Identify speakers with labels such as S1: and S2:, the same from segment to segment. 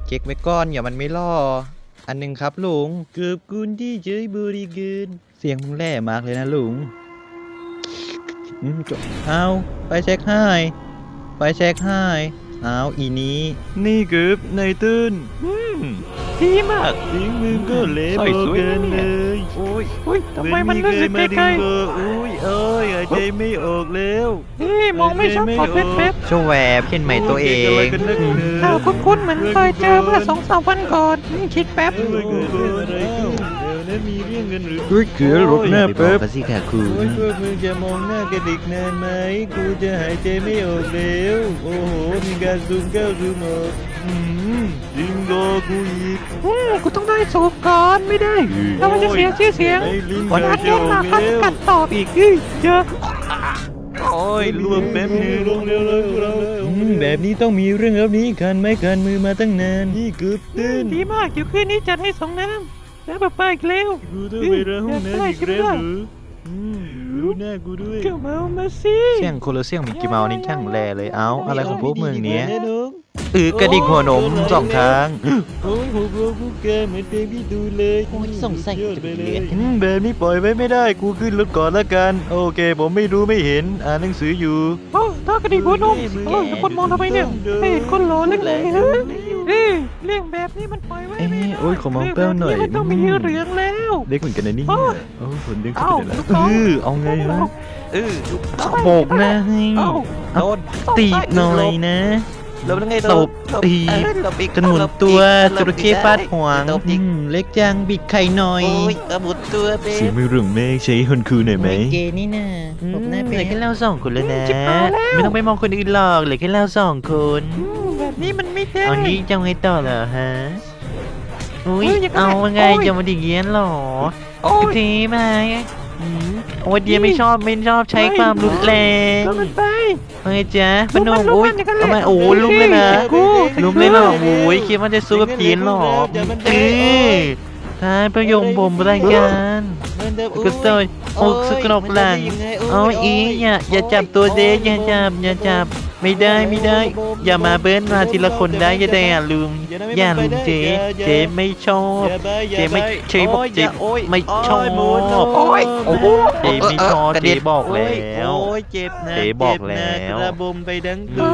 S1: เช็คไว้ก่อนอย่ามันไม่ล่ออันหนึ่งครับลุงเกือบกุนที่เฉยบริเกินเสียงมึงแร่มากเลยนะลุงจบเอาไปเช็คให้ไปเช็คให้เอาอีนี้นี่เกือบในตื้น
S2: ดีมาก
S1: ทิ้งมึงก็เละเกินเลย
S2: โอ้ยทำไมมันรู้สึกไกล
S1: ๆอุ้ยเอ้ยหายใจไม่ออกแล้ว
S2: มองไม่ชัดขอเป๊ะ
S1: โชว์แวบเช่นใหม่ตัวเอง
S2: ข่าวคุ้นๆเหมือนเคยเจอเมื่อ2-3 วันก่อนคิดแป๊บ
S1: มีเรื่องเงินหรือเฮ้ยเขือหลบหน้าแป๊บสิค่ะคุณพวกมึงจะมองหน้ากันอีกนานไหมกูจะหายใจไม่ออกแล้วโอ้โหมีการซูมเข้าซูมออกจริงรอกูอีก
S2: กูต้องได้สูบก่อนไม่ได้แล้วมันจะเสียชื่อเสียงวันนั้นเล่นมาเขาจะกัดตอบอีกเยอะ
S1: โอ้ยรวมแป๊บนึงลงเร็วเลยเราแบบนี้ต้องมีเรื่องแล้วนี้คันไม่คันมือมาตั้งนานนี่เกือบตื่น
S2: ดีมากเดี๋ยวคืนนี้จัดให้2 น้ำแล้วป้าอีกแล้ว
S1: กูต้องไปร้องน้ำอีกแล้วหรือรู้หน้ากูด้วย
S2: เจ้าเมามาสิ
S1: เสียงคนละเสียงมิกกี้เมาส์นี่ช่างแลเลยเอ้าอะไรของพวกมึงเนี้ยกระดิกหัวนม2 ครั้งโอ้ยหัวกูแกเหมือนเพลงพี่ดูเลย
S2: โอ้ยส่งใส่จะไปเลย
S1: แบบนี้ปล่อยไว้ไม่ได้กูขึ้นรถก่อนละกันโอเคผมไม่รู้ไม่เห็นอ่านหนังสืออยู่
S2: ถ้ากระดิกหัวนมคนมองทำไมเนี่ยไม่เห็นคนหล่อเล็กเลยเรื่องแบบนี้มันปล่อยไว้ไม่ได้
S1: โอ้ยขอมองแป้วหน่อย
S2: มันต้องมีเหลืองแล้ว
S1: เล็กเหมือนกันนะนี่ผลเล็กสุดเลยเอาไงฮะโบกนะโดนตีหน่อยนะตบตีจนหมุนตัวจระเข้ฟาดหัวเล็กจังบิดไข่หน่อย
S2: หมุนตัวเ
S1: สีไม่รุ่งเมฆใช้คนคูหน่อยไหม
S2: เกนี่นะผมน่าเป็น
S1: เหลือแค่เรา2 คนแล้วนะไม่ต้องไปมองคนอื่นหรอกเหลือแค่เรา2 คน
S2: แบบนี้มันไม่ได้
S1: เอานี้จะไงต่อเหรอฮะอุ้ยเอาไงจะมาดิเงี้ยหรอทีมาโอ้ยเดียไม่ชอบใช้ความรุนแรงเฮ้ยจ๊ะพนมโอ้ยทำไมโอ้ลุมเลยนะลุมเลยหรอโอ้ยคิดว่าจะสู้กับเดียนหรอท้ายประโยคผมรายการก็สวยอกสกนกหลังเอาอีอย่าจับตัวเด็กอย่าจับไม่ได้อย่ามาเบิ้ลมาทีละคนได้อย่าได้ลุงเจ๊ไม่ชอบเจ๊ไม่เจ๊บอกเจ๊ไม่ชอบเจ๊ไม่ชอบเจ๊บอกแล้ว
S2: เจ็บนะ
S1: เจ๊บอกแล้ว
S2: ระบมไปทั้งตัว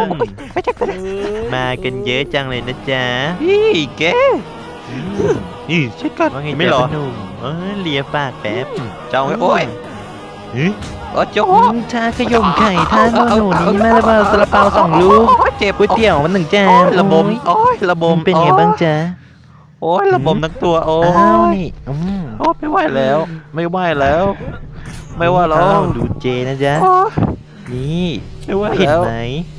S1: มากันเยอะจังเลยนะจ๊ะ
S2: แก
S1: เช็ดก่อนไม่หรอเลียปากแป๊บ
S2: จ้องโอ้ย
S1: โจ๊กชาขยมไข่ท่าโน่นี้มาแล้วซาลาเปา2 ลูก
S2: เจ็บ
S1: ก๋วยเตี๋ยวมัน1 จาน
S2: ระบม
S1: เป็นไงบ้างจ๊ะ
S2: ระบมทั้งตัว
S1: นี่
S2: ไม่ไหวแล้วไม่ว่าแล้ว
S1: ดูเจนะจ๊ะนี่
S2: ไม่ไหว
S1: ผิดไหม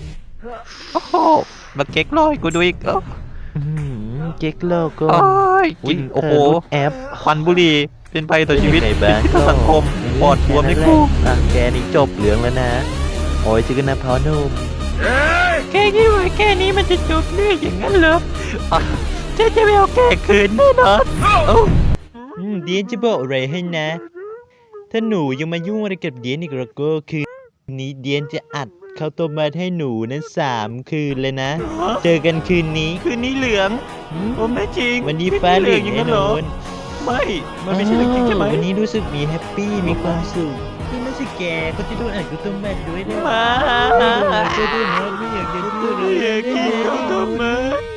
S2: มาเก๊กลอยกูดูอีก
S1: เก๊กโลโก้
S2: กินโอ้โห
S1: แอป
S2: ควันบุหรี่เป็นภัยต่อชีวิตสังคมปอดบวมในกู
S1: แกนี่จบเหลืองแล้วนะโอ้ยชื่อนะพอนุ่ม
S2: แค่นี้แค่นี้มันจะจบเรื่องอย่างนั้นเหรอจะไม่เอาแกคืนแน่นอน
S1: เดียนจะบอกอะไรให้นะถ้าหนูยังมายุ่งอะไรกับเดียนอีกแล้วก็คือนี้เดียนจะอัดข้าวต้มมัดให้หนูนั้น3 คืนเลยนะเจอกันคืนนี้
S2: เหลืองผมไม่จริง
S1: วันนี้ฟ้าเหลืองแน่นอน
S2: ไม่มันไม่ใช่เรื่องจริงใช่ไหม
S1: วันนี้รู้สึกมีแฮปปี้มีความสุขที่ไม่ใช่แกก็จะโดนอัดข้าวต้มมัดด้วยนะ
S2: มา
S1: จะโดนอัดไม่อยากจะพูดเลย
S2: อยากกินข้าวต้มมัด